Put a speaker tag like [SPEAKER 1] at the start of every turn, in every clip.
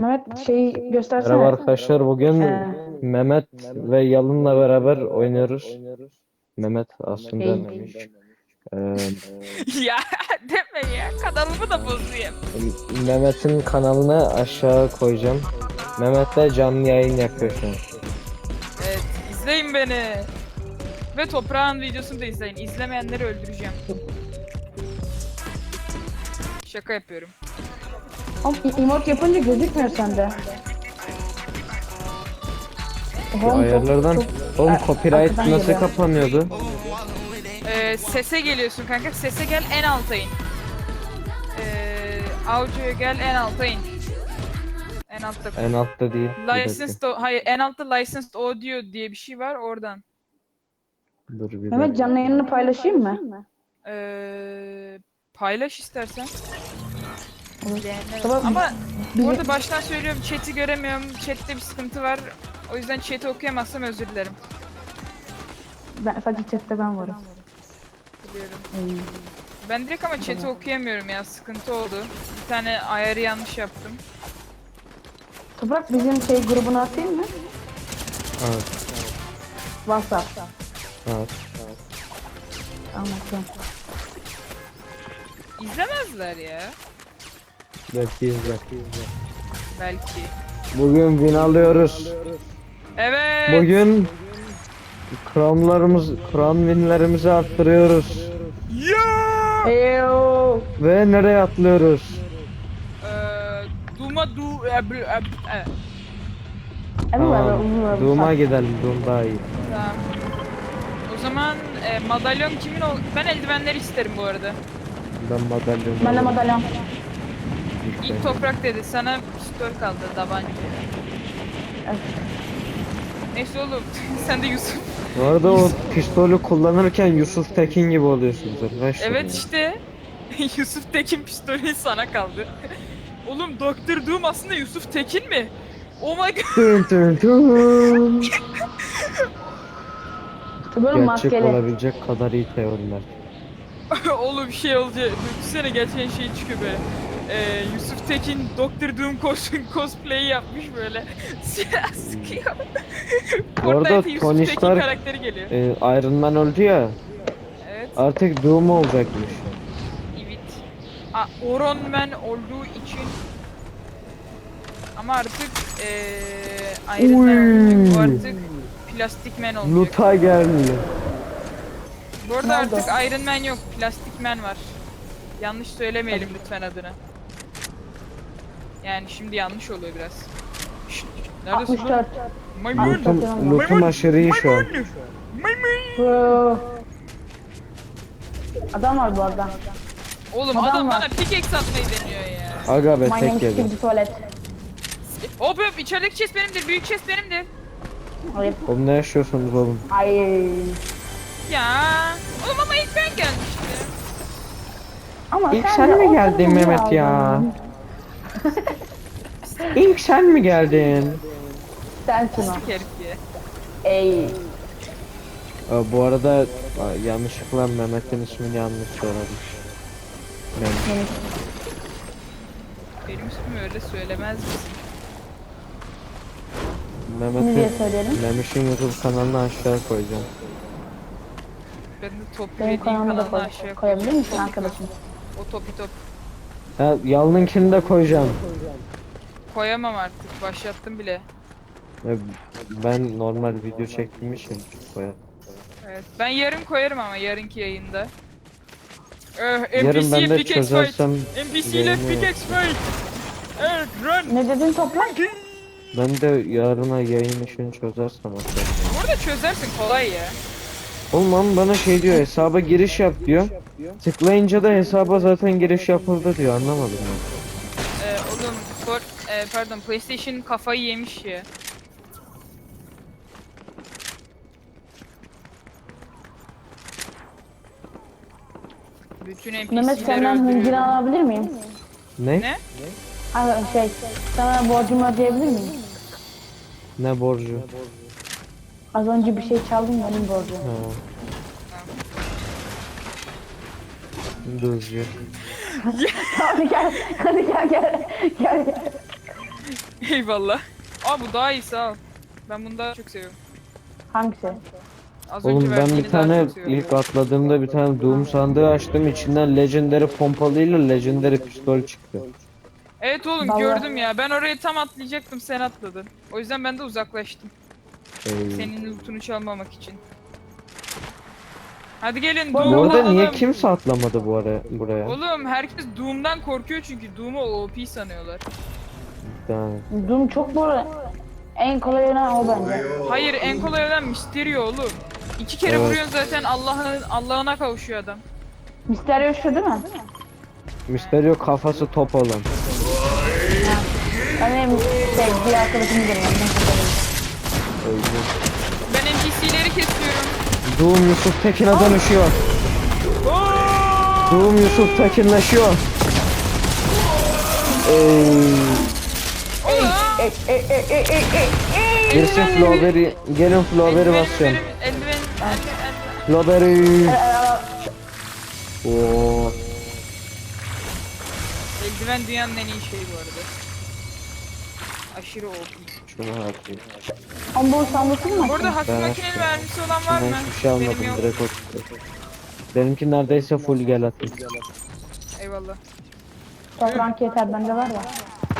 [SPEAKER 1] Mehmet şeyi
[SPEAKER 2] Merhaba
[SPEAKER 1] göstersene.
[SPEAKER 2] arkadaşlar. Bugün
[SPEAKER 1] Ee,
[SPEAKER 2] Mehmet ve Yalın'la beraber oynuyoruz. Mehmet aslında
[SPEAKER 1] şey.
[SPEAKER 2] Memiş.
[SPEAKER 3] Ya deme ya, kanalımı da bozayım.
[SPEAKER 2] Mehmet'in kanalını aşağı koyacağım. Mehmet de canlı yayın yapıyor şu an.
[SPEAKER 3] Evet, izleyin beni. Ve toprağın videosunu da izleyin. İzlemeyenleri öldüreceğim. Şaka yapıyorum.
[SPEAKER 1] Oğlum, emote yapınca gözükmüyor sende.
[SPEAKER 2] Şu
[SPEAKER 1] Oğlum,
[SPEAKER 2] ayarlardan oğlum copyright
[SPEAKER 1] arkadan
[SPEAKER 2] nasıl
[SPEAKER 1] geliyor.
[SPEAKER 2] kapanıyordu?
[SPEAKER 3] Sese geliyorsun kanka. Sese gel, en alta in. Audio'ya gel, en alta in. En altta.
[SPEAKER 2] En altta değil. Bir dakika.
[SPEAKER 3] Hayır, en altta licensed audio diye bir şey var, oradan.
[SPEAKER 2] Dur bir
[SPEAKER 1] Mehmet
[SPEAKER 2] dakika.
[SPEAKER 1] canlı yayını paylaşayım mı?
[SPEAKER 3] Paylaş istersen.
[SPEAKER 1] Tamam.
[SPEAKER 3] Ama
[SPEAKER 1] Bizi-
[SPEAKER 3] bu arada baştan söylüyorum, chat'i göremiyorum. Chat'te bir sıkıntı var. O yüzden chat'i okuyamazsam özür dilerim.
[SPEAKER 1] Sadece chatte ben varım.
[SPEAKER 3] Biliyorum. Ben direkt ama chat'i okuyamıyorum ya, sıkıntı oldu. Bir tane ayarı yanlış yaptım.
[SPEAKER 1] Toprak bizim şey grubuna atayım mı?
[SPEAKER 2] Evet.
[SPEAKER 1] WhatsApp.
[SPEAKER 2] Evet.
[SPEAKER 1] Anlatıyorum.
[SPEAKER 3] İzlemezler ya.
[SPEAKER 2] Belki izle.
[SPEAKER 3] Belki.
[SPEAKER 2] Bugün win alıyoruz.
[SPEAKER 3] Evet.
[SPEAKER 2] Bugün crown winlerimizi arttırıyoruz.
[SPEAKER 3] Ya.
[SPEAKER 1] Eyo.
[SPEAKER 2] Ve nereye atlıyoruz?
[SPEAKER 3] Duma du
[SPEAKER 2] Tamam. Doom'a gidelim. Doom daha iyi.
[SPEAKER 3] Tamam. O zaman madalyon kimin ol? Ben eldivenleri isterim bu arada.
[SPEAKER 2] Ben madalyonu
[SPEAKER 1] Ben de
[SPEAKER 2] alırım.
[SPEAKER 1] madalyon.
[SPEAKER 3] İlk toprak dedi. Sana pistol kaldı, tabanca.
[SPEAKER 1] Evet.
[SPEAKER 3] Neyse oğlum. Sen de Yusuf.
[SPEAKER 2] Bu arada o pistolü kullanırken Yusuf Tekin gibi oluyorsunuz arkadaşlar.
[SPEAKER 3] Evet
[SPEAKER 2] ya.
[SPEAKER 3] işte. Yusuf Tekin pistolü sana kaldı. Oğlum Doktor Doom aslında Yusuf Tekin mi? Oh my god.
[SPEAKER 2] Tün tün tün.
[SPEAKER 1] Böyle
[SPEAKER 2] Gerçek
[SPEAKER 1] maskeli.
[SPEAKER 2] olabilecek kadar iyi teoriler.
[SPEAKER 3] Oğlum şey olacak. Düşünsene gerçekten şey çıkıyor böyle. Yusuf Tekin Doktor Doom cosplay yapmış böyle. Silah sıkıyor.
[SPEAKER 2] Bu arada
[SPEAKER 3] Fortnite'e Yusuf
[SPEAKER 2] Tony
[SPEAKER 3] Tekin
[SPEAKER 2] Stark
[SPEAKER 3] karakteri geliyor.
[SPEAKER 2] Iron Man öldü ya.
[SPEAKER 3] Evet.
[SPEAKER 2] Artık Doom olacakmış.
[SPEAKER 3] Evet. Iron Man olduğu için ama artık Iron Man olmayacak. Bu artık Plastik Man olacak.
[SPEAKER 2] Luta geldi.
[SPEAKER 3] Bu arada
[SPEAKER 1] Ne oldu?
[SPEAKER 3] artık Iron Man yok. Plastik Man var. Yanlış söylemeyelim lütfen adını. Yani şimdi yanlış oluyor biraz. Şşt, neredesin lan?
[SPEAKER 1] 64.
[SPEAKER 3] Maymun!
[SPEAKER 2] Lootum aşırı iyi şu an.
[SPEAKER 3] Maymun!
[SPEAKER 1] Bro. Adam var bu arada.
[SPEAKER 3] Oğlum
[SPEAKER 1] Adam
[SPEAKER 3] adam
[SPEAKER 1] var.
[SPEAKER 3] bana pickaxe atmayı deniyor ya.
[SPEAKER 2] Aga be
[SPEAKER 1] My name
[SPEAKER 2] tek
[SPEAKER 1] is
[SPEAKER 2] yedi.
[SPEAKER 1] Steve Tuvalet.
[SPEAKER 3] Hop hop, içerideki chest benimdir. Büyük chest benimdir.
[SPEAKER 1] Hayır.
[SPEAKER 2] Oğlum ne yaşıyorsunuz oğlum?
[SPEAKER 1] Ay.
[SPEAKER 3] Ya. Oğlum ama ilk ben gelmiştim.
[SPEAKER 1] Ama
[SPEAKER 2] İlk
[SPEAKER 1] sen
[SPEAKER 2] sen
[SPEAKER 1] de
[SPEAKER 2] mi
[SPEAKER 1] o
[SPEAKER 2] geldin
[SPEAKER 1] kadar
[SPEAKER 2] Mehmet ya?
[SPEAKER 1] aldın.
[SPEAKER 2] İlk sen mi geldin?
[SPEAKER 1] Sensin o.
[SPEAKER 3] Pislik herif ya.
[SPEAKER 1] Ey.
[SPEAKER 2] Bu arada yanlışlıkla Mehmet'in ismini yanlış söylemiş. Mehmet.
[SPEAKER 3] Benim ismimi öyle söylemez misin?
[SPEAKER 1] Ne diye söyleyelim?
[SPEAKER 2] Mehmet'in YouTube kanalını aşağı koyacağım.
[SPEAKER 3] Ben de top
[SPEAKER 1] Benim
[SPEAKER 3] dediğin
[SPEAKER 1] kanalımı da
[SPEAKER 3] kanalına aşağı
[SPEAKER 1] koyabilir misin
[SPEAKER 3] Topi
[SPEAKER 1] arkadaşım?
[SPEAKER 3] O topi top.
[SPEAKER 2] Ha, Yalın'ınkini de koyacağım.
[SPEAKER 3] Koyamam artık. Başlattım bile.
[SPEAKER 2] Ben normal video çektiğim için koyarım.
[SPEAKER 3] Evet. Ben yarın koyarım ama yarınki yayında.
[SPEAKER 2] Yarın ben de
[SPEAKER 3] pickaxe
[SPEAKER 2] çözersem
[SPEAKER 3] fight. NPC ile
[SPEAKER 2] yayını-
[SPEAKER 3] pickaxe fight. Evet, run.
[SPEAKER 1] Ne dedin toprak?
[SPEAKER 2] Ben de yarına yayın işini çözersem atarım.
[SPEAKER 3] Bu arada çözersin, kolay ya.
[SPEAKER 2] Oğlum ama bana şey diyor, hesaba giriş yap diyor. Tıklayınca da hesaba zaten giriş yapıldı diyor, anlamadım ben.
[SPEAKER 3] Oğlum pardon, PlayStation kafayı yemiş ya. Bütün
[SPEAKER 1] Mehmet
[SPEAKER 3] NPC'leri
[SPEAKER 1] senden hıncını
[SPEAKER 3] öldürüyorum.
[SPEAKER 1] alabilir miyim?
[SPEAKER 2] Ne?
[SPEAKER 3] Ne?
[SPEAKER 1] Ay, sana borcumu ödeyebilir miyim?
[SPEAKER 2] Ne borcu?
[SPEAKER 1] Az önce bir şey çaldım benim borcum.
[SPEAKER 2] Ha. Düzgün.
[SPEAKER 1] Hadi gel, hadi gel.
[SPEAKER 3] Eyvallah. Aa bu daha iyi sağ ol. Ben bunu daha çok seviyorum.
[SPEAKER 1] Hangisi?
[SPEAKER 3] Az önce
[SPEAKER 2] Oğlum ben
[SPEAKER 3] verdiğini
[SPEAKER 2] bir
[SPEAKER 3] daha
[SPEAKER 2] tane
[SPEAKER 3] çok seviyorum.
[SPEAKER 2] ilk atladığımda bir tane Doom sandığı açtım. İçinden Legendary pompalıyla Legendary pistol çıktı.
[SPEAKER 3] Evet oğlum
[SPEAKER 1] Vallahi.
[SPEAKER 3] gördüm ya. Ben oraya tam atlayacaktım sen atladın. O yüzden ben de uzaklaştım.
[SPEAKER 2] Ee,
[SPEAKER 3] Senin lootunu çalmamak için. Hadi gelin
[SPEAKER 1] Bu
[SPEAKER 2] Bu
[SPEAKER 3] Doom'u
[SPEAKER 2] arada niye
[SPEAKER 3] alalım.
[SPEAKER 2] kimse atlamadı buraya?
[SPEAKER 3] Oğlum herkes Doom'dan korkuyor çünkü Doom'u OP sanıyorlar.
[SPEAKER 2] Yani,
[SPEAKER 1] Doom çok bu arada. En kolay olan o bence.
[SPEAKER 3] Hayır en kolay olan Mysterio oğlum. 2 kere
[SPEAKER 2] Evet.
[SPEAKER 3] vuruyorsun zaten Allah'ına kavuşuyor adam.
[SPEAKER 1] Mysterio şu değil mi?
[SPEAKER 2] Mysterio kafası top olan.
[SPEAKER 1] Benim bir arkadaşım görüyorum.
[SPEAKER 2] Öyle.
[SPEAKER 3] Ben NPC'leri kesiyorum.
[SPEAKER 2] Doom Yusuf Tekin'e dönüşüyor. Doom Yusuf Tekinleşiyor. Girsin Flowberry, gelin Flowberry basacağım.
[SPEAKER 3] Eldiven.
[SPEAKER 2] Flowberry. Oo.
[SPEAKER 3] Eldiven dünyanın en iyi şeyi bu arada. Aşırı OP.
[SPEAKER 2] Şunu harcayayım.
[SPEAKER 1] Ambul sandırsın mı?
[SPEAKER 3] Bu arada hafif
[SPEAKER 2] Ben
[SPEAKER 3] makineli mermisi olan var
[SPEAKER 2] Ben
[SPEAKER 3] mı?
[SPEAKER 2] hiçbir şey almadım,
[SPEAKER 3] Benim yok.
[SPEAKER 2] direkt o çıktı. Benimki neredeyse full gel atayım.
[SPEAKER 3] Eyvallah.
[SPEAKER 1] Toprak yeter bende var ya.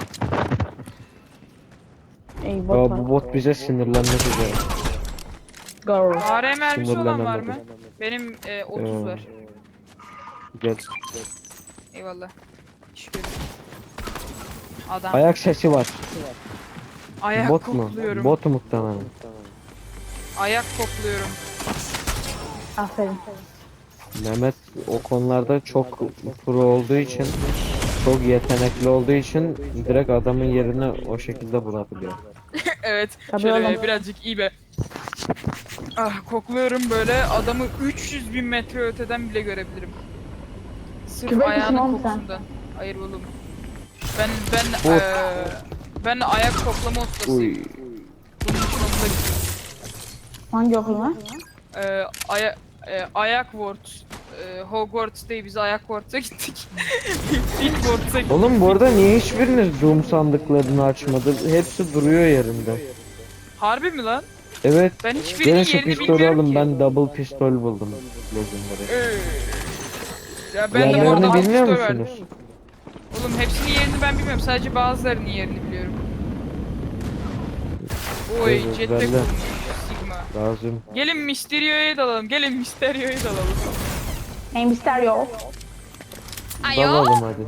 [SPEAKER 1] Ey
[SPEAKER 2] Ya
[SPEAKER 1] bot var.
[SPEAKER 2] bu bot bize sinirlenmek üzere.
[SPEAKER 1] Girl.
[SPEAKER 3] AR mermisi olan var mı?
[SPEAKER 2] Sinirlenemedim.
[SPEAKER 3] Benim 30 var.
[SPEAKER 2] Gel.
[SPEAKER 3] Eyvallah. Şükür. Adam.
[SPEAKER 2] Ayak sesi var.
[SPEAKER 3] Ayak
[SPEAKER 2] Bot mu?
[SPEAKER 3] kokluyorum.
[SPEAKER 2] Bot muhtemelen.
[SPEAKER 3] Ayak kokluyorum.
[SPEAKER 1] Aferin.
[SPEAKER 2] Mehmet o konularda çok pro olduğu için, çok yetenekli olduğu için direkt adamın yerini o şekilde bulabiliyor.
[SPEAKER 3] Evet.
[SPEAKER 1] Tabii
[SPEAKER 3] Şöyle
[SPEAKER 1] oğlum.
[SPEAKER 3] birazcık iyi be. Ah kokluyorum böyle adamı 300 bin metre öteden bile görebilirim. Sırf
[SPEAKER 1] Kübek misin
[SPEAKER 3] ayağının
[SPEAKER 1] oğlum sen?
[SPEAKER 3] kokusundan. Hayır oğlum. Ben
[SPEAKER 2] Bot.
[SPEAKER 3] ben ayak koklama ustasıyım.
[SPEAKER 2] Uy.
[SPEAKER 3] Bunun için okula gidiyorum.
[SPEAKER 1] Hangi okul lan?
[SPEAKER 3] Ayak Ward. Hogwarts değil biz Ayak Ward'a gittik. İlk Ward'a gittik.
[SPEAKER 2] Oğlum bu arada niye hiçbiriniz Doom sandıklarını açmadı? Hepsi duruyor yerinde.
[SPEAKER 3] Harbi mi lan?
[SPEAKER 2] Evet.
[SPEAKER 3] Ben
[SPEAKER 2] Gelin
[SPEAKER 3] hiçbirinin
[SPEAKER 2] şu
[SPEAKER 3] yerini
[SPEAKER 2] pistolü
[SPEAKER 3] bilmiyorum
[SPEAKER 2] alın,
[SPEAKER 3] ki.
[SPEAKER 2] ben double pistol buldum. Legendary.
[SPEAKER 3] Ya ben de bu
[SPEAKER 2] Yerlerini
[SPEAKER 3] arada
[SPEAKER 2] bilmiyor
[SPEAKER 3] pistol verdim.
[SPEAKER 2] musunuz?
[SPEAKER 3] Oğlum hepsinin yerini ben bilmiyorum. Sadece bazılarının yerini biliyorum. Oy
[SPEAKER 2] Evet,
[SPEAKER 3] jetpack
[SPEAKER 2] ben de.
[SPEAKER 3] bulmuş Sigma.
[SPEAKER 2] Lazım.
[SPEAKER 3] Gelin Mysterio'ya dalalım. Gelin Mysterio'ya dalalım.
[SPEAKER 1] Hey Mysterio.
[SPEAKER 2] Dalalım hadi.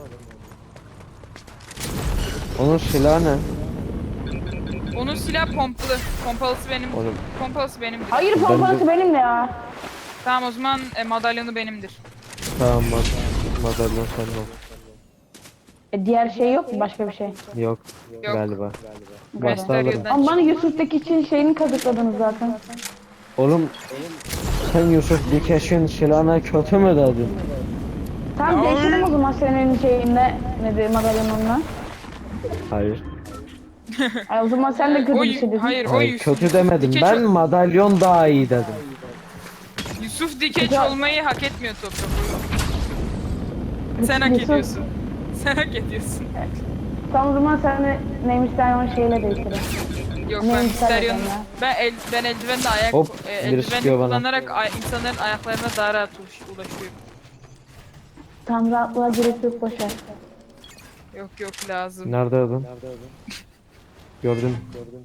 [SPEAKER 2] Onun silahı ne?
[SPEAKER 3] Onun silah pompalı. Pompalısı benim.
[SPEAKER 2] Oğlum.
[SPEAKER 3] Pompalısı benimdir.
[SPEAKER 1] Hayır pompalası benim de ya.
[SPEAKER 3] Tamam o zaman madalyonu benimdir.
[SPEAKER 2] Tamam madalyon senin ol.
[SPEAKER 1] Diğer şey yok mu başka bir şey?
[SPEAKER 2] Yok,
[SPEAKER 3] Yok.
[SPEAKER 2] galiba. Başta
[SPEAKER 3] Mysterio'dan
[SPEAKER 2] alırım.
[SPEAKER 1] Ama bana Yusuf'taki için şeyini kazıkladınız zaten.
[SPEAKER 2] Oğlum sen Yusuf Dikeş'in silahına kötü mü dedin?
[SPEAKER 1] Tamam değiştirelim o zaman senin şeyinle nedir madalyonunla.
[SPEAKER 2] Hayır.
[SPEAKER 1] Ay, o zaman sen de kötü bir şey dedin.
[SPEAKER 3] Hayır o
[SPEAKER 2] Hayır
[SPEAKER 3] Yusuf.
[SPEAKER 2] kötü demedim.
[SPEAKER 3] Dikeç
[SPEAKER 2] Ben madalyon daha iyi dedim.
[SPEAKER 3] Yusuf Dikeç
[SPEAKER 1] Güzel.
[SPEAKER 3] olmayı hak etmiyor Toprak. Sen hak
[SPEAKER 1] Yusuf-
[SPEAKER 3] ediyorsun. Sen hak ediyorsun.
[SPEAKER 1] Tamam o zaman sen de neymiş sen şeyle değiştirelim.
[SPEAKER 3] Yok
[SPEAKER 1] Ne
[SPEAKER 3] ben
[SPEAKER 1] güzel
[SPEAKER 3] Mysterio'nun
[SPEAKER 1] adam ya.
[SPEAKER 3] ben eldivenle ayak
[SPEAKER 2] Hop, biri
[SPEAKER 3] eldiveni
[SPEAKER 2] sıkıyor bana.
[SPEAKER 3] kullanarak insanların ayaklarına daha rahat ulaşıyorum.
[SPEAKER 1] Tam rahatlığa gerek yok boşver.
[SPEAKER 3] Yok lazım.
[SPEAKER 2] Nerede adam? Gördüm.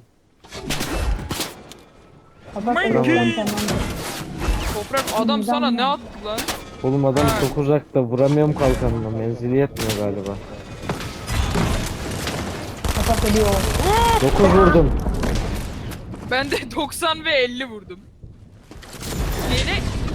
[SPEAKER 1] Kapat
[SPEAKER 3] My
[SPEAKER 1] telefonu
[SPEAKER 3] God.
[SPEAKER 1] tamam.
[SPEAKER 3] Toprak adam sana ne attı lan?
[SPEAKER 2] Oğlum adam
[SPEAKER 3] Ha.
[SPEAKER 2] çok uzakta, vuramıyorum kalkanına. Menzili yetmiyor galiba.
[SPEAKER 1] Kapat ediyor.
[SPEAKER 2] 9 vurdum.
[SPEAKER 3] Ben de 90 ve 50 vurdum. Yeni.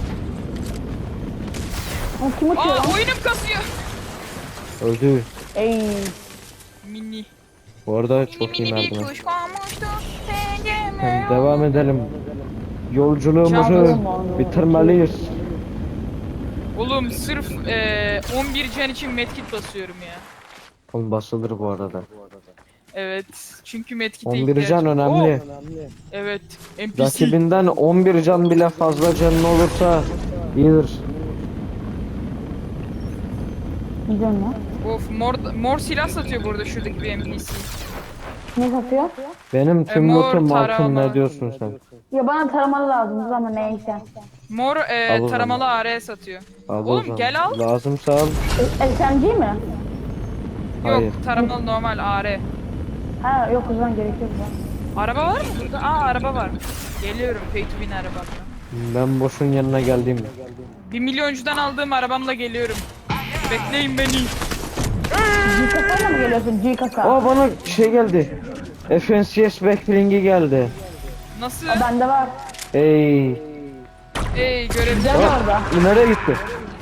[SPEAKER 1] O kim uçuyor lan?
[SPEAKER 3] Oyunum kasıyor.
[SPEAKER 2] Öldü.
[SPEAKER 1] Ey.
[SPEAKER 3] Mini.
[SPEAKER 2] Bu arada çok iyi
[SPEAKER 3] bir
[SPEAKER 2] merdiven.
[SPEAKER 3] kuş konmuştu.
[SPEAKER 2] Hem devam edelim. Yolculuğumuzu
[SPEAKER 1] Çabuk.
[SPEAKER 2] bitirmeliyiz.
[SPEAKER 3] Oğlum sırf 11 can için medkit basıyorum ya.
[SPEAKER 2] Oğlum basılır bu arada.
[SPEAKER 3] Evet. Çünkü medkit'e
[SPEAKER 2] 11
[SPEAKER 3] ihtiyacım.
[SPEAKER 2] can önemli.
[SPEAKER 3] Evet. NPC.
[SPEAKER 2] Rakibinden 11 can bile fazla canın olursa iyidir.
[SPEAKER 1] Güzel mi?
[SPEAKER 3] Of mor silah satıyor burada şuradaki bir NPC.
[SPEAKER 1] Ne satıyor?
[SPEAKER 2] Benim tüm
[SPEAKER 3] mor
[SPEAKER 2] lootum altın,
[SPEAKER 3] taramalı.
[SPEAKER 2] ne diyorsun sen?
[SPEAKER 1] Ya bana taramalı lazım ama neyse.
[SPEAKER 3] Mor
[SPEAKER 2] Al o
[SPEAKER 3] taramalı
[SPEAKER 2] zaman.
[SPEAKER 3] AR satıyor.
[SPEAKER 2] Al o
[SPEAKER 3] Oğlum
[SPEAKER 2] zaman.
[SPEAKER 3] gel al.
[SPEAKER 2] Lazımsa al.
[SPEAKER 1] SMG mi?
[SPEAKER 2] Hayır.
[SPEAKER 3] Yok taramalı normal AR.
[SPEAKER 1] Ha yok o zaman gerekiyor bu.
[SPEAKER 3] Araba var mı burada? Aa araba var. Geliyorum pay to win arabamla.
[SPEAKER 2] Ben boşun yanına geldim.
[SPEAKER 3] 1 milyoncudan aldığım arabamla geliyorum. Bekleyin beni.
[SPEAKER 1] G-Kasa'yla mı geliyorsun? G-Kasa.
[SPEAKER 2] Aa, bana şey geldi. FNCS backlink'i geldi.
[SPEAKER 3] Nasıl?
[SPEAKER 1] Bende var.
[SPEAKER 2] Ey.
[SPEAKER 3] Ey görevli.
[SPEAKER 1] Gel orada.
[SPEAKER 2] Nereye gitti?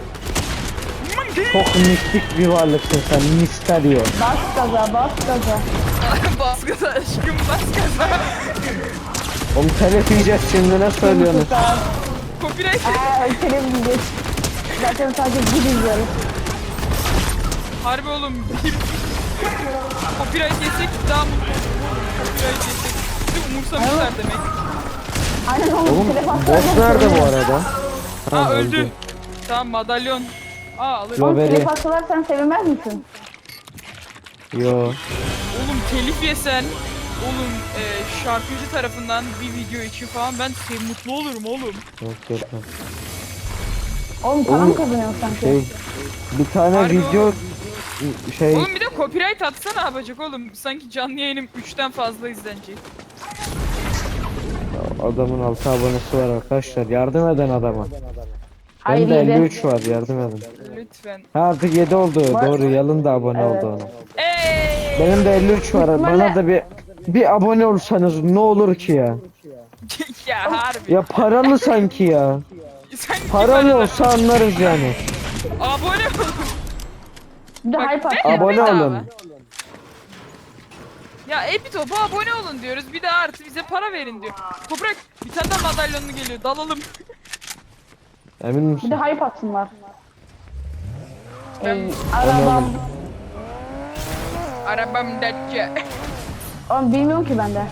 [SPEAKER 2] Çok mistik bir varlıksın sen. Misterio.
[SPEAKER 1] Bas gaza, bas gaza.
[SPEAKER 3] Bas gaza aşkım bas gaza.
[SPEAKER 2] Oğlum telef yiyeceğiz şimdi, ne söylüyorsunuz?
[SPEAKER 3] Copyright.
[SPEAKER 1] Televizyon. Zaten sadece bir izliyoruz.
[SPEAKER 3] Harbi oğlum bir copyright yesek daha mutlu oluruz. Copyright yesek. Bizi umursamışlar demek.
[SPEAKER 1] Aynen
[SPEAKER 2] Oğlum
[SPEAKER 1] telefon
[SPEAKER 2] boss nerede bu arada?
[SPEAKER 3] Ha öldü. Tamam madalyon. Aa alırım.
[SPEAKER 2] Yo. Haberi.
[SPEAKER 1] Telef atsalar sen sevinmez misin?
[SPEAKER 2] Yo.
[SPEAKER 3] Oğlum telif yesen. Oğlum şarkıcı tarafından bir video için falan ben mutlu olurum oğlum.
[SPEAKER 2] Yok, yok, yok.
[SPEAKER 1] Oğlum para
[SPEAKER 2] Oğlum,
[SPEAKER 1] mı kazanıyorsun sanki?
[SPEAKER 2] Şey, bir tane
[SPEAKER 3] Harbi
[SPEAKER 2] video şey
[SPEAKER 3] Oğlum bir de copyright atsa ne yapacak oğlum? Sanki canlı yayınım 3'ten fazla izlenecek.
[SPEAKER 2] adamın 6 abonesi var arkadaşlar. Yardım eden adama.
[SPEAKER 1] Hayır,
[SPEAKER 2] Benim de
[SPEAKER 1] yedi.
[SPEAKER 2] 53 var, yardım edin.
[SPEAKER 3] Lütfen.
[SPEAKER 2] Ha, artık 7 oldu.
[SPEAKER 1] Var.
[SPEAKER 2] Doğru, Yalın da abone
[SPEAKER 1] Evet.
[SPEAKER 2] oldu ona.
[SPEAKER 3] Eee!
[SPEAKER 2] Benim de 53 var.
[SPEAKER 1] Bitmeli.
[SPEAKER 2] Bana da bir abone olsanız ne olur ki ya?
[SPEAKER 3] Ya harbi.
[SPEAKER 2] Ya paralı sanki ya.
[SPEAKER 3] Sen
[SPEAKER 2] Paralı olsa anlarız yani.
[SPEAKER 3] Abone ol.
[SPEAKER 1] Bir de
[SPEAKER 3] Bak,
[SPEAKER 1] hype
[SPEAKER 3] ne?
[SPEAKER 1] attın.
[SPEAKER 2] Abone
[SPEAKER 3] bedava.
[SPEAKER 2] olun.
[SPEAKER 3] Ya Epitop'a abone olun diyoruz. Bir de artı bize para verin diyor. Toprak bir tane daha madalyonlu geliyor. Dalalım.
[SPEAKER 2] Emin
[SPEAKER 1] Bir
[SPEAKER 2] misin?
[SPEAKER 1] de hype atsınlar.
[SPEAKER 3] Ben-
[SPEAKER 1] Ey, arabam.
[SPEAKER 3] Arabam datça.
[SPEAKER 1] Oğlum bilmiyorum ki ben de.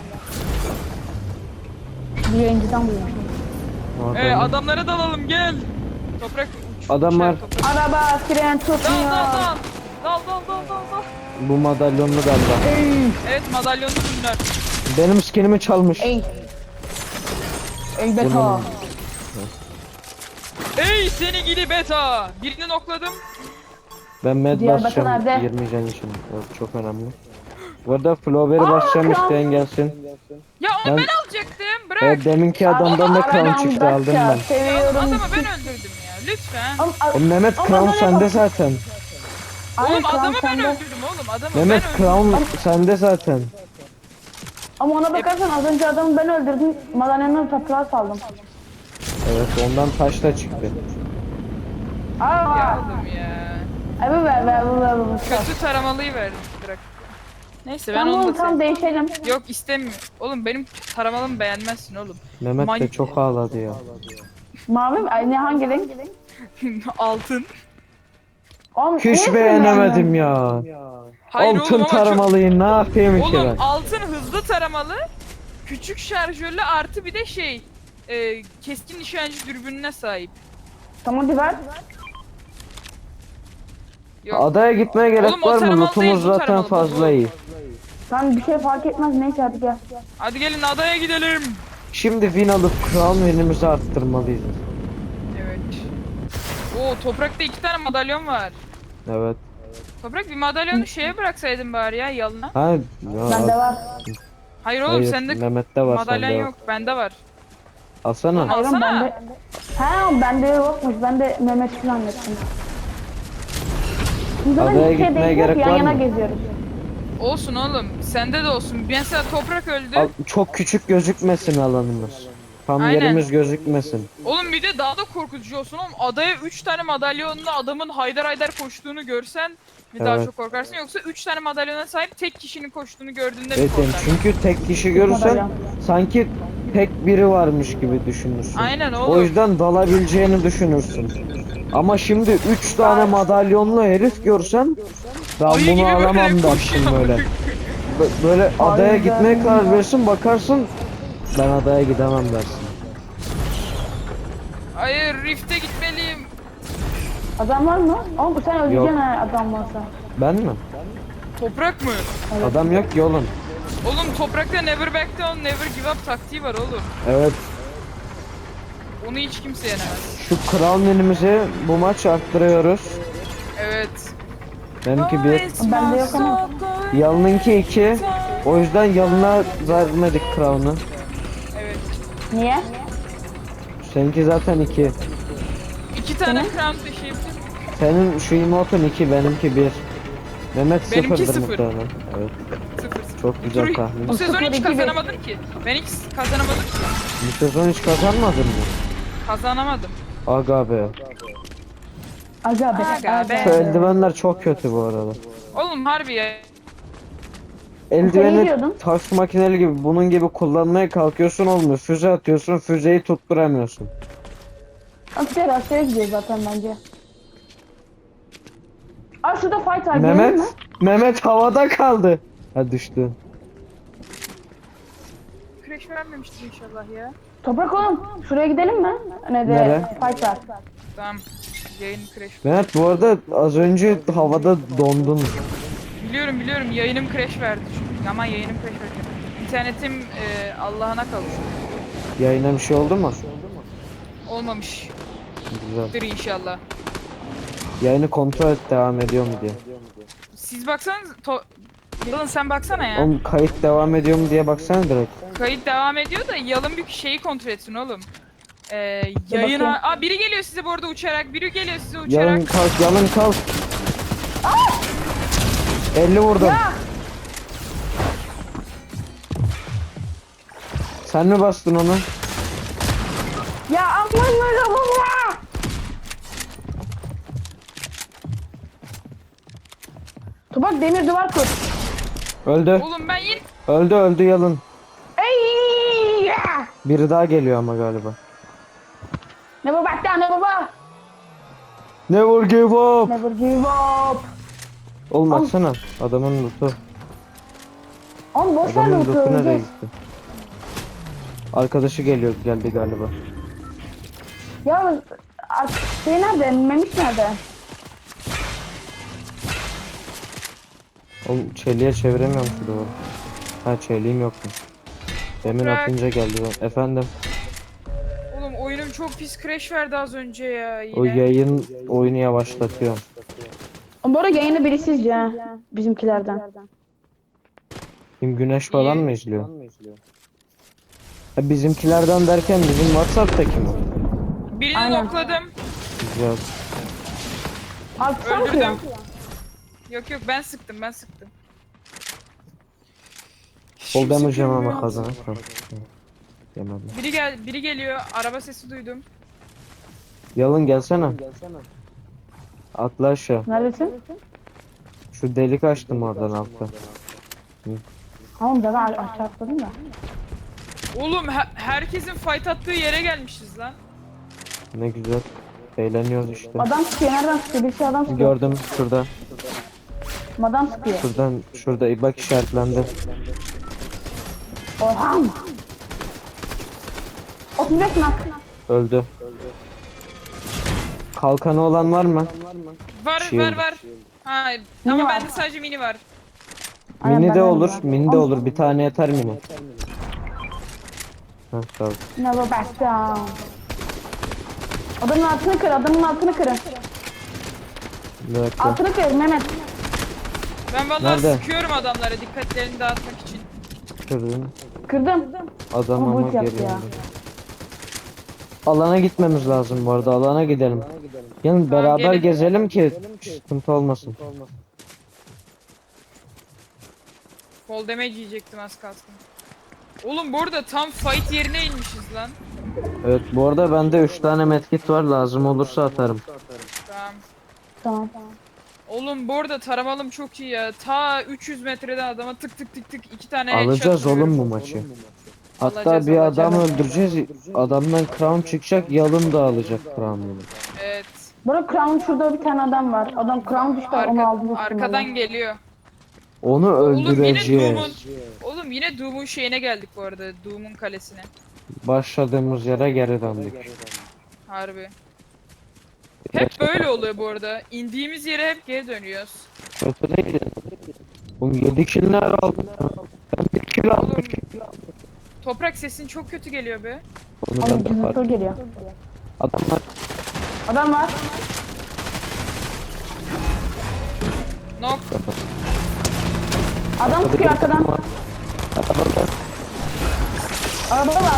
[SPEAKER 1] Bir yayıncıdan duymuşum.
[SPEAKER 3] Adamlara dalalım gel. Toprak uç.
[SPEAKER 2] Adam var.
[SPEAKER 3] Toprak.
[SPEAKER 1] Araba fren
[SPEAKER 3] Dal
[SPEAKER 1] tutmuyor.
[SPEAKER 3] dal dal. Dal dal dal dal dal.
[SPEAKER 2] Bu madalyonlu galiba.
[SPEAKER 3] Evet madalyonlu bunlar.
[SPEAKER 2] Benim skinimi çalmış.
[SPEAKER 1] Ey. Ey beta.
[SPEAKER 2] Bunun-
[SPEAKER 3] Ey seni gidi beta. Birini nokladım.
[SPEAKER 2] Ben med
[SPEAKER 1] Diğer
[SPEAKER 2] basacağım
[SPEAKER 1] beta nerede?
[SPEAKER 2] 20 can için. O çok önemli. Bu arada Flower'ı basacağım,
[SPEAKER 1] kral.
[SPEAKER 2] isteyen gelsin.
[SPEAKER 3] Ya onu
[SPEAKER 2] Ben-
[SPEAKER 3] ben alacaktım. Bırak.
[SPEAKER 2] Deminki adamdan da crown çıktı, aldım ben.
[SPEAKER 3] Ya
[SPEAKER 1] Seviyorum.
[SPEAKER 3] adamı ben öldürdüm ya. Lütfen.
[SPEAKER 2] Mehmet
[SPEAKER 1] Ama
[SPEAKER 2] crown
[SPEAKER 1] bana
[SPEAKER 2] sende
[SPEAKER 1] bak.
[SPEAKER 2] zaten.
[SPEAKER 3] Oğlum adamı ben
[SPEAKER 1] sende.
[SPEAKER 3] öldürdüm oğlum. Adamı
[SPEAKER 2] Mehmet
[SPEAKER 3] ben öldürdüm.
[SPEAKER 2] crown sende zaten.
[SPEAKER 1] Ama ona bakarsan az önce adamı ben öldürdüm. Madalyonun toprağı saldım.
[SPEAKER 2] Evet, ondan taş da çıktı.
[SPEAKER 3] Ya
[SPEAKER 1] Aa.
[SPEAKER 3] oğlum ya.
[SPEAKER 1] Evet ver.
[SPEAKER 3] Kötü taramalıyı verdim. Bırak. Neyse ben
[SPEAKER 1] Tamam
[SPEAKER 3] onu
[SPEAKER 1] oğlum
[SPEAKER 3] da
[SPEAKER 1] tam
[SPEAKER 3] sevdim.
[SPEAKER 1] değişelim.
[SPEAKER 3] Yok istemiyorum. Oğlum benim taramalımı beğenmezsin oğlum.
[SPEAKER 2] Mehmet de çok ağladı ya.
[SPEAKER 1] Mavi mi? Ay ne hangi renk?
[SPEAKER 3] Altın.
[SPEAKER 1] Oğlum,
[SPEAKER 2] Hiç
[SPEAKER 1] niye
[SPEAKER 2] beğenemedim ya.
[SPEAKER 3] Hayır
[SPEAKER 2] Altın
[SPEAKER 3] oğlum ama
[SPEAKER 2] taramalıyı ne yapayım ki
[SPEAKER 3] Oğlum
[SPEAKER 2] ben?
[SPEAKER 3] altın hızlı taramalı. Küçük şarjörlü artı bir de keskin nişancı dürbününe sahip.
[SPEAKER 1] Tamam hadi ver.
[SPEAKER 3] Yok.
[SPEAKER 2] Adaya gitmeye gerek
[SPEAKER 3] Oğlum, o
[SPEAKER 2] var mı?
[SPEAKER 3] taramalı
[SPEAKER 2] Lootumuz
[SPEAKER 3] değil, bu
[SPEAKER 2] zaten
[SPEAKER 3] taramalı, bu.
[SPEAKER 2] fazla iyi.
[SPEAKER 1] Tamam bir şey fark etmez neyse hadi gel.
[SPEAKER 3] Hadi gelin adaya gidelim.
[SPEAKER 2] Şimdi win alıp crown winimizi arttırmalıyız.
[SPEAKER 3] Evet. Oo toprakta 2 tane madalyon var.
[SPEAKER 2] Evet.
[SPEAKER 3] Toprak bir madalyonu şeye bıraksaydın bari ya yalına.
[SPEAKER 2] Ha, ya,
[SPEAKER 1] Bende var.
[SPEAKER 3] Hayır oğlum
[SPEAKER 2] hayır,
[SPEAKER 3] sende
[SPEAKER 2] Mehmet'te var,
[SPEAKER 3] madalyon
[SPEAKER 2] sende
[SPEAKER 3] yok.
[SPEAKER 2] yok.
[SPEAKER 3] Bende var.
[SPEAKER 2] Alsana.
[SPEAKER 1] Hayır oğlum,
[SPEAKER 3] Alsana.
[SPEAKER 1] bende. Ha bende yokmuş. Ben de Mehmet falan zannettim. Biz zaten
[SPEAKER 2] Adaya
[SPEAKER 1] bir şey
[SPEAKER 2] gitmeye
[SPEAKER 1] değil,
[SPEAKER 2] gerek
[SPEAKER 1] yan
[SPEAKER 2] var
[SPEAKER 1] yana
[SPEAKER 2] mı?
[SPEAKER 1] geziyoruz.
[SPEAKER 3] Olsun oğlum. Sende de olsun. Mesela toprak öldü.
[SPEAKER 2] Çok küçük gözükmesin alanımız. Tam
[SPEAKER 3] Aynen.
[SPEAKER 2] yerimiz gözükmesin.
[SPEAKER 3] Oğlum bir de daha da korkutucu olsun oğlum. Adaya 3 tane madalyonlu adamın haydar haydar koştuğunu görsen bir daha
[SPEAKER 2] Evet.
[SPEAKER 3] çok korkarsın. Yoksa 3 tane madalyona sahip tek kişinin koştuğunu gördüğünde
[SPEAKER 2] Evet,
[SPEAKER 3] bir
[SPEAKER 2] yani
[SPEAKER 3] korkarsın.
[SPEAKER 2] çünkü tek kişi görürsen
[SPEAKER 1] Madalyon.
[SPEAKER 2] sanki tek biri varmış gibi düşünürsün.
[SPEAKER 3] Aynen
[SPEAKER 2] O
[SPEAKER 3] oğlum.
[SPEAKER 2] yüzden dalabileceğini düşünürsün. Ama şimdi 3 tane madalyonlu herif görsen ben
[SPEAKER 3] Ayı gibi
[SPEAKER 2] bunu
[SPEAKER 3] böyle
[SPEAKER 2] alamam dersin
[SPEAKER 3] koşuyor.
[SPEAKER 2] böyle. Böyle adaya
[SPEAKER 1] Aynen.
[SPEAKER 2] gitmeye karar verirsin, bakarsın ben adaya gidemem dersin.
[SPEAKER 3] Hayır Rift'e gitmeliyim.
[SPEAKER 1] Adam var mı? Oğlum sen öleceksin
[SPEAKER 2] Yok.
[SPEAKER 1] ha adam varsa.
[SPEAKER 2] Ben mi?
[SPEAKER 3] Toprak mı?
[SPEAKER 2] Adam yok ki oğlum.
[SPEAKER 3] Oğlum toprakta never back down, never give up taktiği var oğlum.
[SPEAKER 2] Evet.
[SPEAKER 3] Onu hiç kimse yenemez.
[SPEAKER 2] Şu kral menümüzü bu maç arttırıyoruz.
[SPEAKER 3] Evet.
[SPEAKER 2] Benimki bir.
[SPEAKER 1] Bende yok ama.
[SPEAKER 2] Yalın'ınki 2. O yüzden Yalın'a vermedik crown'u.
[SPEAKER 3] Evet.
[SPEAKER 1] Niye?
[SPEAKER 2] Seninki zaten 2.
[SPEAKER 3] 2 tane crown taşıyabilir.
[SPEAKER 2] Senin şu emotun 2, benimki 1. Mehmet
[SPEAKER 3] Benimki
[SPEAKER 2] 0'dır
[SPEAKER 3] sıfır.
[SPEAKER 2] muhtemelen. Evet.
[SPEAKER 3] 0-0.
[SPEAKER 2] Çok güzel tahmin.
[SPEAKER 3] Bu sezon hiç
[SPEAKER 1] 0-2-1.
[SPEAKER 3] kazanamadım ki. Ben hiç kazanamadım ki.
[SPEAKER 2] Bu sezon hiç kazanmadın mı?
[SPEAKER 3] Kazanamadım.
[SPEAKER 2] Aga be.
[SPEAKER 1] Aga be.
[SPEAKER 3] Aga be.
[SPEAKER 2] Şu eldivenler çok kötü bu arada.
[SPEAKER 3] Oğlum harbi ya.
[SPEAKER 2] Eldiveni
[SPEAKER 1] diyordun?
[SPEAKER 2] taş makineli gibi bunun gibi kullanmaya kalkıyorsun olmuyor. Füze atıyorsun, füzeyi tutturamıyorsun.
[SPEAKER 1] Askere gidiyor zaten bence. Aa şurada fight var. Gelelim mi?
[SPEAKER 2] Mehmet havada kaldı. Ha düştü.
[SPEAKER 3] Crash vermemiştir inşallah ya.
[SPEAKER 1] Toprak oğlum. Şuraya gidelim mi? Ne de
[SPEAKER 2] Nere?
[SPEAKER 1] fight var.
[SPEAKER 3] Tamam. Yayın crash.
[SPEAKER 2] Mehmet bu arada az önce havada dondun.
[SPEAKER 3] Biliyorum yayınım crash verdi çünkü. Aman yayınım crash verdi. İnternetim Allah'ına kavuştu.
[SPEAKER 2] Yayına bir şey oldu mu?
[SPEAKER 3] Olmamış.
[SPEAKER 2] Güzel.
[SPEAKER 3] Dur inşallah.
[SPEAKER 2] Yayını kontrol et devam ediyor mu diye.
[SPEAKER 3] Siz baksanız Yalın sen baksana ya.
[SPEAKER 2] Oğlum kayıt devam ediyor mu diye baksana direkt.
[SPEAKER 3] Kayıt devam ediyor da Yalın bir şeyi kontrol etsin oğlum.
[SPEAKER 1] bakayım.
[SPEAKER 3] Yayına... Aa biri geliyor size bu arada uçarak. Biri geliyor size uçarak.
[SPEAKER 2] Yalın kalk, yalın kalk. 50 vurdum. Sen mi bastın onu?
[SPEAKER 1] Ya aman baba. Toprak demir duvar kur.
[SPEAKER 2] Öldü.
[SPEAKER 3] Oğlum ben yine...
[SPEAKER 2] Öldü yalın.
[SPEAKER 1] Ey!
[SPEAKER 2] Biri daha geliyor ama galiba.
[SPEAKER 1] Ne baba ne baba?
[SPEAKER 2] Never give up.
[SPEAKER 1] Never give up.
[SPEAKER 2] Oğlum baksana adamın lootu.
[SPEAKER 1] Oğlum boş ver
[SPEAKER 2] Adamın
[SPEAKER 1] lootu,
[SPEAKER 2] lootu nereye
[SPEAKER 1] öleceğiz.
[SPEAKER 2] gitti? Arkadaşı geldi galiba.
[SPEAKER 1] Ya şey nerede? Memiş nerede?
[SPEAKER 2] Oğlum çeliğe çeviremiyorum şu duvarı. Ha çeliğim yoktu. Demin
[SPEAKER 3] Toprak.
[SPEAKER 2] atınca geldi. Efendim
[SPEAKER 3] Oğlum oyunum çok pis crash verdi az önce ya yine.
[SPEAKER 2] o yayın oyunu yavaşlatıyor.
[SPEAKER 1] Bu arada yayını biri sizce ha. Bizimkilerden.
[SPEAKER 2] Kim Güneş falan
[SPEAKER 3] İyi.
[SPEAKER 2] mı izliyor? Ha, bizimkilerden derken bizim WhatsApp'taki mi?
[SPEAKER 3] Birini
[SPEAKER 1] Aynen.
[SPEAKER 3] nokladım.
[SPEAKER 2] Güzel.
[SPEAKER 1] Artık sen
[SPEAKER 3] Öldürdüm.
[SPEAKER 1] kıyan.
[SPEAKER 3] Yok ben sıktım.
[SPEAKER 2] Full damage ama
[SPEAKER 3] Kimse
[SPEAKER 2] kazan. Yemedim.
[SPEAKER 3] Biri geliyor. Araba sesi duydum.
[SPEAKER 2] Yalın gelsene. Atla aşağı.
[SPEAKER 1] Neredesin?
[SPEAKER 2] Şu delik açtım oradan altta.
[SPEAKER 1] Tamam ben aşağı atladım da.
[SPEAKER 3] Oğlum herkesin fight attığı yere gelmişiz lan.
[SPEAKER 2] Ne güzel. Eğleniyoruz işte.
[SPEAKER 1] Adam sıkıyor. Nereden sıkıyor? Birisi adam sıkıyor.
[SPEAKER 2] Gördüm şurada.
[SPEAKER 1] Adam sıkıyor.
[SPEAKER 2] Şurada bak işaretlendi.
[SPEAKER 1] Orhan. 35 nak.
[SPEAKER 2] Öldü. Kalkanı olan var mı?
[SPEAKER 3] Var
[SPEAKER 2] Shield.
[SPEAKER 3] var. Ha,
[SPEAKER 1] Mini
[SPEAKER 3] ama
[SPEAKER 1] var.
[SPEAKER 3] bende sadece mini var.
[SPEAKER 1] Aynen,
[SPEAKER 2] Mini
[SPEAKER 1] ben
[SPEAKER 2] de
[SPEAKER 1] de
[SPEAKER 2] olur,
[SPEAKER 1] var.
[SPEAKER 2] mini de olur. Bir tane yeter mini. Heh, tamam.
[SPEAKER 1] Never back down. Adamın altını kır. Adamın altını kırın.
[SPEAKER 2] Bir dakika.
[SPEAKER 1] Altını kır Mehmet.
[SPEAKER 3] Ben vallahi
[SPEAKER 2] Nerede?
[SPEAKER 3] sıkıyorum adamlara dikkatlerini dağıtmak için.
[SPEAKER 2] Kırdım.
[SPEAKER 1] Kırdım.
[SPEAKER 2] Adam
[SPEAKER 1] Ama
[SPEAKER 2] ama
[SPEAKER 1] bu yaptı
[SPEAKER 2] geri
[SPEAKER 1] ya.
[SPEAKER 2] yandı. Alana gitmemiz lazım bu arada. Alana gidelim. Yani beraber
[SPEAKER 3] gelin.
[SPEAKER 2] gezelim ki sıkıntı olmasın.
[SPEAKER 3] Fall damage yiyecektim az kalsın. Oğlum bu arada tam fight yerine inmişiz lan.
[SPEAKER 2] Evet bu arada bende 3 tane medkit var. Lazım olursa atarım.
[SPEAKER 3] Tamam.
[SPEAKER 1] Tamam.
[SPEAKER 3] Oğlum bu arada taramalım çok iyi ya. Ta 300 metreden adama tık tık 2 tane headshot
[SPEAKER 2] Alacağız oğlum
[SPEAKER 3] vuruyorum.
[SPEAKER 2] bu maçı. Hatta
[SPEAKER 3] Alacağız,
[SPEAKER 2] bir adam
[SPEAKER 3] alacağız.
[SPEAKER 2] öldüreceğiz. Adamdan crown çıkacak. Yalın da alacak crown'unu.
[SPEAKER 3] Evet.
[SPEAKER 1] Burada Crown şurada bir tane adam var. Adam Crown düştü onu aldı.
[SPEAKER 3] Arkadan geliyor.
[SPEAKER 2] Onu
[SPEAKER 3] Oğlum yine Doom'un
[SPEAKER 2] öldüreceğiz.
[SPEAKER 3] Oğlum yine Doom'un şeyine geldik bu arada. Doom'un kalesine.
[SPEAKER 2] Başladığımız yere geri döndük.
[SPEAKER 3] Harbi. Hep böyle oluyor bu arada. İndiğimiz yere hep geri dönüyoruz.
[SPEAKER 2] Kötü değil. Oğlum 7 killer aldım. Ben bir
[SPEAKER 3] Oğlum. Toprak sesin çok kötü geliyor be.
[SPEAKER 2] Onu ben
[SPEAKER 1] Oğlum
[SPEAKER 2] de
[SPEAKER 1] cızırtı
[SPEAKER 2] fark.
[SPEAKER 1] geliyor.
[SPEAKER 2] Adamlar
[SPEAKER 1] Adam var.
[SPEAKER 3] Nok.
[SPEAKER 1] Adam sıkıyor arkadan. Arabada var.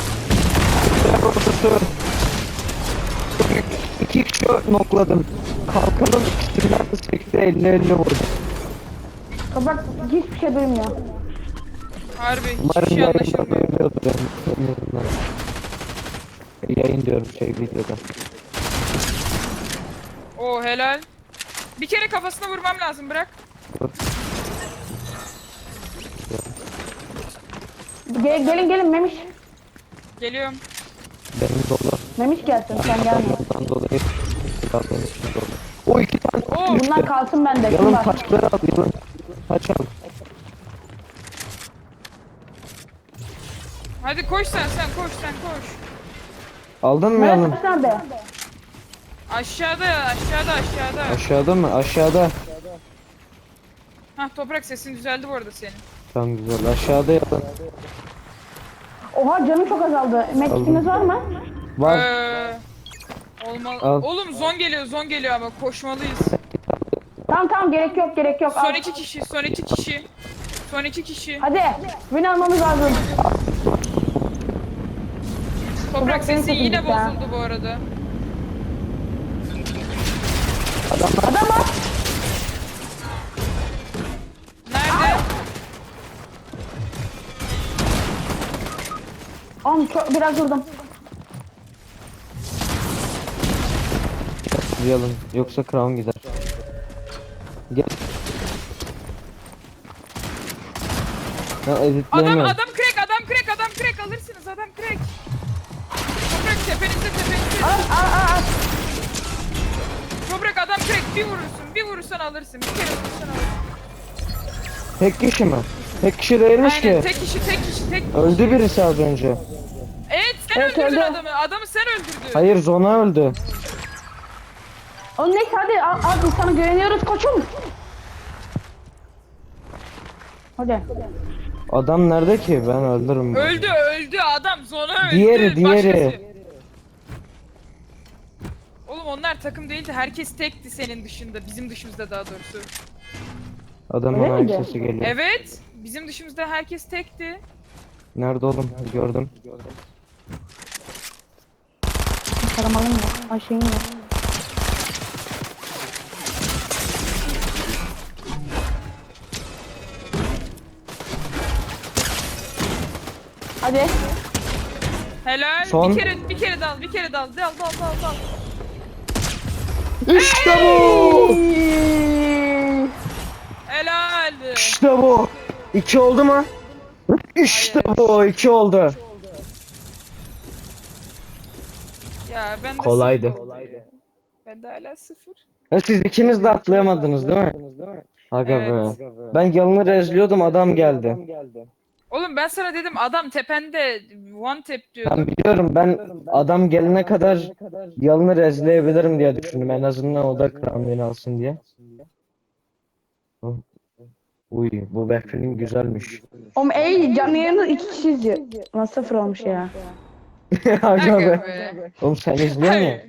[SPEAKER 2] İki kişi nokladım. Kalkanın üstünden de sekti 50-50 vurdu.
[SPEAKER 1] Toprak hiçbir şey duymuyor.
[SPEAKER 3] Harbi hiçbir
[SPEAKER 2] Umarım
[SPEAKER 3] şey
[SPEAKER 2] yayında
[SPEAKER 3] anlaşılmıyor.
[SPEAKER 2] duyuluyordur benim yüzümden. Yayın diyorum videoda.
[SPEAKER 3] Oo helal. Bir kere kafasına vurmam lazım, bırak.
[SPEAKER 2] Dur.
[SPEAKER 1] Gelin Memiş.
[SPEAKER 3] Geliyorum.
[SPEAKER 2] Benim dolu.
[SPEAKER 1] Memiş gelsin sen gelme.
[SPEAKER 2] Adamlardan dolayı silahların içinde dolu. O iki tane
[SPEAKER 3] Oo.
[SPEAKER 1] Bunlar kalsın bende. Kim
[SPEAKER 2] yalın
[SPEAKER 1] var?
[SPEAKER 2] taşları al yalın. Taş al.
[SPEAKER 3] Hadi koş sen koş.
[SPEAKER 2] Aldın mı
[SPEAKER 1] Memiş
[SPEAKER 2] yalın?
[SPEAKER 1] nerede?
[SPEAKER 3] Aşağıda.
[SPEAKER 2] Aşağıda mı? Aşağıda.
[SPEAKER 3] Hah Toprak, sesin düzeldi bu arada senin.
[SPEAKER 2] Tamam güzel. Aşağıda yalın.
[SPEAKER 1] Oha canım çok azaldı. Medkitiniz var mı?
[SPEAKER 2] Var.
[SPEAKER 3] Olmalı.
[SPEAKER 2] Al.
[SPEAKER 3] Oğlum zon geliyor ama koşmalıyız.
[SPEAKER 1] Tamam gerek yok. Al.
[SPEAKER 3] Son iki kişi.
[SPEAKER 1] Hadi. Win almamız lazım.
[SPEAKER 3] Toprak
[SPEAKER 1] senin
[SPEAKER 3] sesi
[SPEAKER 1] sesin
[SPEAKER 3] yine
[SPEAKER 1] gitti ha.
[SPEAKER 3] bozuldu bu arada.
[SPEAKER 1] Adam var.
[SPEAKER 3] Nerede?
[SPEAKER 1] Biraz vurdum.
[SPEAKER 2] Yalın. Yoksa Crown gider. Gel. Ya editleyemiyorum.
[SPEAKER 3] Adam crack alırsınız, adam crack. Toprak tepenizde.
[SPEAKER 1] Al.
[SPEAKER 3] Toprak adam crack, bir vurursan alırsın, bir kere vurursan alırsın.
[SPEAKER 2] Tek kişi mi? Tek kişi değilmiş
[SPEAKER 3] Aynen,
[SPEAKER 2] ki.
[SPEAKER 3] tek kişi.
[SPEAKER 2] Öldü birisi az önce.
[SPEAKER 3] Evet, sen
[SPEAKER 1] Evet,
[SPEAKER 3] öldürdün
[SPEAKER 1] öldü.
[SPEAKER 3] adamı sen öldürdün.
[SPEAKER 2] Hayır Zona öldü.
[SPEAKER 1] Oğlum neyse hadi al sana güveniyoruz koçum. Hadi.
[SPEAKER 2] Adam nerede ki? Ben öldürürüm.
[SPEAKER 3] Öldü adam, zona öldü.
[SPEAKER 2] Diğeri.
[SPEAKER 3] Başkası. Oğlum onlar takım değildi, herkes tekti senin dışında, bizim dışımızda daha doğrusu.
[SPEAKER 2] Adamın
[SPEAKER 1] Öyle
[SPEAKER 2] ayak
[SPEAKER 1] miydi?
[SPEAKER 2] sesi geliyor.
[SPEAKER 3] Evet, bizim dışımızda herkes tekti.
[SPEAKER 2] Nerede oğlum? Gördüm.
[SPEAKER 1] Karamalım mı? Ayşe'nin mi? Hadi.
[SPEAKER 3] Helal.
[SPEAKER 2] Son.
[SPEAKER 3] Bir kere dal. Dal.
[SPEAKER 2] İşte bu!
[SPEAKER 3] Helal.
[SPEAKER 2] İşte bu! 2 oldu mu? İşte bu! 2 oldu.
[SPEAKER 3] Ya ben de
[SPEAKER 2] Kolaydı.
[SPEAKER 3] sıfır oldu ya. Ben de hala 0.
[SPEAKER 2] Ya siz ikiniz de atlayamadınız değil mi? Aga
[SPEAKER 3] Evet.
[SPEAKER 2] be. Ben yalını rezliyordum adam geldi.
[SPEAKER 3] Oğlum ben sana dedim adam tepende one tap diyordum.
[SPEAKER 2] Ben biliyorum ben adam gelene kadar yalını rezleyebilirim diye düşündüm. En azından o da Crown alsın diye. Uy bu backfilling güzelmiş.
[SPEAKER 1] Oğlum canlı yayını 2 kişi izliyor. Lan 0 olmuş ya.
[SPEAKER 2] Aga
[SPEAKER 3] Aga
[SPEAKER 2] be.
[SPEAKER 3] be.
[SPEAKER 2] Oğlum sen izliyorsun ya.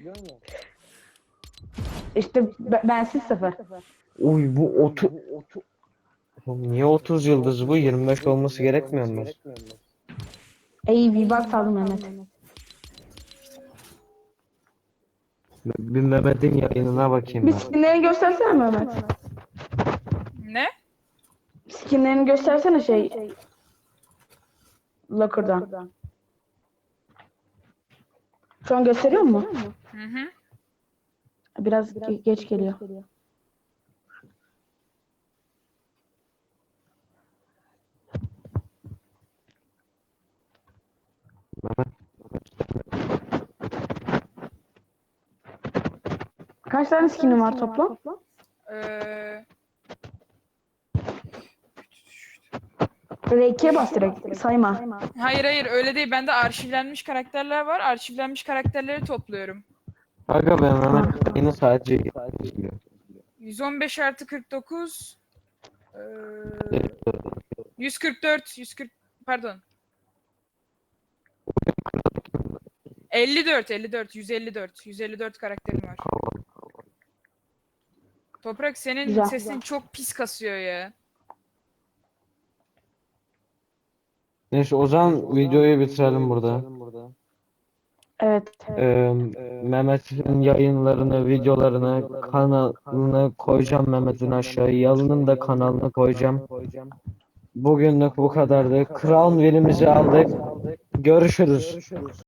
[SPEAKER 1] İşte bensiz 0.
[SPEAKER 2] Uy bu Oğlum niye 30 yıldız bu? 25 olması gerekmiyor mu?
[SPEAKER 1] Bir bak saldım Mehmet.
[SPEAKER 2] Bir Mehmet'in yayınına bakayım
[SPEAKER 1] Bir
[SPEAKER 2] ben.
[SPEAKER 1] skinlerini göstersene Mehmet.
[SPEAKER 3] Ne?
[SPEAKER 1] Skinlerini göstersene Locker'dan. Şu an gösteriyor mu?
[SPEAKER 3] Hı.
[SPEAKER 1] Biraz geç geliyor. Kaç tane skinin var toplam? Böyle 2'ye bas direkt sayma.
[SPEAKER 3] Hayır öyle değil. Bende arşivlenmiş karakterler var. Arşivlenmiş karakterleri topluyorum.
[SPEAKER 2] Aga ben Mehmet yayını sadece izliyor.
[SPEAKER 3] 115 artı 49 144 Pardon. 54, 154 karakterim var. Toprak senin
[SPEAKER 1] Güzel.
[SPEAKER 3] sesin çok pis kasıyor ya.
[SPEAKER 2] Neyse o zaman videoyu bitirelim burada.
[SPEAKER 1] Evet.
[SPEAKER 2] Ee, Mehmet'in yayınlarını, videolarını, kanalını koyacağım Mehmet'in aşağıya. Yalın'ın da kanalını koyacağım. Bugünlük bu kadardı. Crown Will'imizi aldık. Görüşürüz.